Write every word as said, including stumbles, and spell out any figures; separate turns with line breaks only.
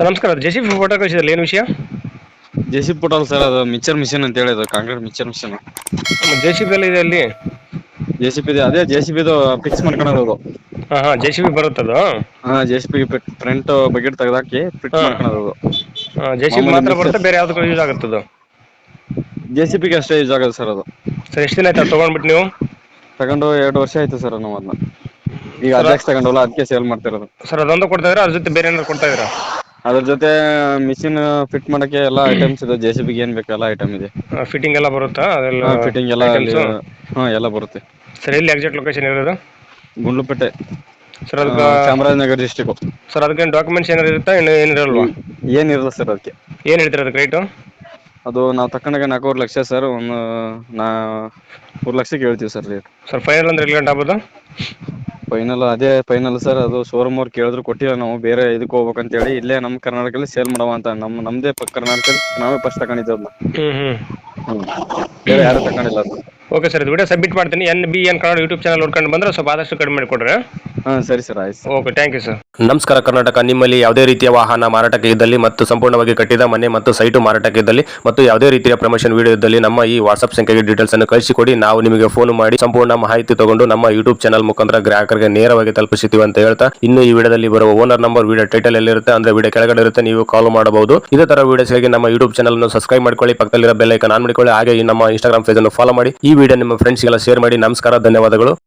Sir ನಮಸ್ಕಾರ. J C B photo ಕಳಿಸಿದ್ರಲ್ಲ, ಏನು ವಿಷಯ?
ಜೆ ಸಿ ಬಿ ಪೋಟಲ್ ಸರ್, ಅದು ಮಿಕ್ಸರ್ ಮಿಷಿನ್ ಅಂತ ಹೇಳಿದ್ರು, concrete mixer machine.
J C B ಎಲ್ಲ ಇದೆ ಅಲ್ಲಿ?
ಜೆ ಸಿ ಬಿ ಅದೇ ಜೆ ಸಿ ಬಿದು ಫಿಕ್ಸ್ ಮಾಡ್ಕೊಳೋದು.
ಹಾಂ ಹಾಂ ಜೆ ಸಿ ಬಿ ಬರುತ್ತದು.
ಹಾ J C B front bucket ತೆಗ್ದಾಕಿ ಫಿಟ್
ಹಾಂ
ಮಾಡ್ಕೊಳೋದು.
ಹಾಂ ಜೆ ಸಿ ಬಿ
ಮಾಮೂಲಿ
ಮಾತ್ರ
ಮಿಕ್ಸರ್
ಬರುತ್ತೆ, ಬೇರೆ ಯಾವುದಕ್ಕೂ ಯೂಸ್ ಆಗುತ್ತದು?
ಜೆ ಸಿ ಬಿಗೆ ಅಷ್ಟೇ ಯೂಸ್ ಆಗೋದು ಸರ್ ಅದು.
ಸರ್ ಎಷ್ಟು ದಿನ ಆಯ್ತು ಅದು ತೊಗೊಂಡ್ಬಿಟ್ಟು ನೀವು?
ತಗೊಂಡು ಎರಡು ವರ್ಷ ಆಯ್ತು ಸರ್ ನಾವು ಅದನ್ನ. ಈಗ
ಸರ್
ಅಜಾಕ್ಸ್ ತಗೊಂಡವಲ್ಲ, ಅದಕ್ಕೆ ಸೇಲ್ ಮಾಡ್ತಿರೋದು.
ಸರ್ ಅದೊಂದು ಕೊಡ್ತಾ ಇದ್ದೀರಾ, ಅದ್ರ ಜೊತೆ ಬೇರೆ ಏನಾದ್ರು ಕೊಡ್ತಾ ಇದ್ದೀರಾ?
ಅದ್ರ ಜೊತೆ ಮಿಷಿನ್ ಫಿಟ್ ಮಾಡಕ್ಕೆ ಎಲ್ಲಾ ಐಟಮ್ಸ್ ಇದೆ, ಜೆ ಸಿ ಬಿಗೆ ಏನ್ ಬೇಕು ಎಲ್ಲ ಐಟಮ್ ಇದೆ.
ಫಿಟ್ಟಿಂಗ್ ಎಲ್ಲ ಬರುತ್ತಾ ಅದೆಲ್ಲ?
ಹಾ ಫಿಟ್ಟಿಂಗ್ ಎಲ್ಲ ಅಲ್ಲಿ,
ಐಟಮ್ಸು
ಹಾ ಎಲ್ಲ ಬರುತ್ತೆ.
ಸರ್ ಎಲ್ಲಿ ಎಕ್ಸಾಕ್ಟ್ ಲೊಕೇಶನ್ ಇರೋದು?
ಗುಂಡ್ಲುಪೇಟೆ,
ಸರ್ ಅದಕ್ಕೆ
ಚಾಮರಾಜನಗರ ಡಿಸ್ಟಿಕ್.
ಸರ್ ಅದಕ್ಕೇನು ಡಾಕ್ಯುಮೆಂಟ್ಸ್ ಏನಾರು ಇರುತ್ತಾ, ಇನ್ನು ಏನಿರಲ್ವಾ?
ಏನಿರಲ್ಲ ಸರ್ ಅದಕ್ಕೆ.
ಏನು ಹೇಳ್ತೀರಾ ಅದಕ್ಕೆ ರೇಟು?
ಅದು ನಾವು ತಕೊಂಡಾಗ ನಾಲ್ಕೂವರೆ ಲಕ್ಷ ಸರ್. ಒಂದು ನಾ ಮೂರು ಲಕ್ಷಕ್ಕೆ ಹೇಳ್ತೀವಿ ಸರ್ ರೇಟ್.
ಸರ್ ಫೈನಲ್ ಅಂದ್ರೆ ಎಲ್ಲಿ ಗಂಟೆ ಆಗ್ಬೋದು?
ಫೈನಲ್ ಅದೇ ಫೈನಲ್ ಸರ್. ಅದು ಶೋರೂಮ್ ಅವ್ರು ಕೇಳಿದ್ರು ಕೊಟ್ಟಿಲ್ಲ ನಾವು, ಬೇರೆ ಇದಕ್ಕೆ ಹೋಗ್ಬೇಕ್ ಅಂತ ಹೇಳಿ ಇಲ್ಲೇ ನಮ್ಮ ಕರ್ನಾಟಕದಲ್ಲಿ ಸೇಲ್ ಮಾಡವ ಅಂತ. ನಮ್ ನಮ್ದೇ ಕರ್ನಾಟಕದಲ್ಲಿ ನಾವೇ ಫಸ್ಟ್ ತಗೊಂಡಿದ್ದು ಅದನ್ನ.
ಹ್ಞೂ ಹ್ಞೂ
ಹ್ಮ್ ಬೇರೆ ಯಾರು ತಗೊಂಡಿಲ್ಲ ಅದನ್ನ.
ಓಕೆ ಸರ್, ಇದು ವಿಡಿಯೋ ಸಬ್ಮಿಟ್ ಮಾಡ್ತೀನಿ. N B N Kannada YouTube channel ನೋಡ್ಕೊಂಡು ಬಂದರೆ ಸ್ವಲ್ಪ ಆದಷ್ಟು ಕಡಿಮೆ ಮಾಡಿಕೊಡ್ರೆ.
ಹಾ ಸರಿ ಸರ್, ಆಯ್ತು.
Okay, thank you sir.
ನಮಸ್ಕಾರ ಕರ್ನಾಟಕ. ನಿಮ್ಮಲ್ಲಿ ಯಾವುದೇ ರೀತಿಯ ವಾಹನ ಮಾರಾಟಕ್ಕೆ ಇದ್ದಲ್ಲಿ ಮತ್ತು ಸಂಪೂರ್ಣವಾಗಿ ಕಟ್ಟಿದ ಮನೆ ಮತ್ತು ಸೈಟು ಮಾರಾಟಕ್ಕೆ ಇದ್ದಲ್ಲಿ ಮತ್ತು ಯಾವುದೇ ರೀತಿಯ ಪ್ರಮೋಷನ್ ವಿಡಿಯೋ ಇದ್ದಲ್ಲಿ ನಮ್ಮ ಈ ವಾಟ್ಸ್ಆಪ್ ಸಂಖ್ಯೆಗೆ ಡೀಟೇಲ್ಸ್ ಅನ್ನು ಕಳಿಸಿಕೊಡಿ. ನಾವು ನಿಮಗೆ ಫೋನ್ ಮಾಡಿ ಸಂಪೂರ್ಣ ಮಾಹಿತಿ ತಗೊಂಡು ನಮ್ಮ ಯೂಟ್ಯೂಬ್ ಚಾನಲ್ ಮುಖಾಂತರ ಗ್ರಾಹಕರಿಗೆ ನೇರವಾಗಿ ತಲುಪಿಸುತ್ತೀವಿ ಅಂತ ಹೇಳ್ತಾ, ಇನ್ನು ಈ ವಿಡಿಯೋದಲ್ಲಿ ಬರುವ ಓನರ್ ನಂಬರ್ ವಿಡಿಯೋ ಟೈಟಲ್ ಎಲ್ಲಿರುತ್ತೆ ಅಂದ್ರೆ ವಿಡಿಯೋ ಕೆಳಗಡೆ ಇರುತ್ತೆ, ನೀವು ಕಾಲ್ ಮಾಡಬಹುದು. ಇದೇ ತರ ವಿಡಿಯೋಸ್ಗಾಗಿ ನಮ್ಮ ಯೂಟ್ಯೂಬ್ ಚಾನಲ್ ಅನ್ನು ಸಬ್ಸ್ಕ್ರೈಬ್ ಮಾಡ್ಕೊಳ್ಳಿ, ಪಕ್ಕದಲ್ಲಿರೋ ಬೆಲ್ ಐಕಾನ್ ಆನ್ ಮಾಡಿಕೊಳ್ಳಿ. ಹಾಗೆ ಈ ನಮ್ಮ ಇನ್ಸ್ಟಾಗ್ರಾಮ್ ಪೇಜ್ ಅನ್ನು ಫಾಲೋ ಮಾಡಿ. ಈ ವಿಡಿಯೋ ನಿಮ್ಮ ಫ್ರೆಂಡ್ಸ್ಗೆಲ್ಲ ಶೇರ್ ಮಾಡಿ. ನಮಸ್ಕಾರ, ಧನ್ಯವಾದಗಳು.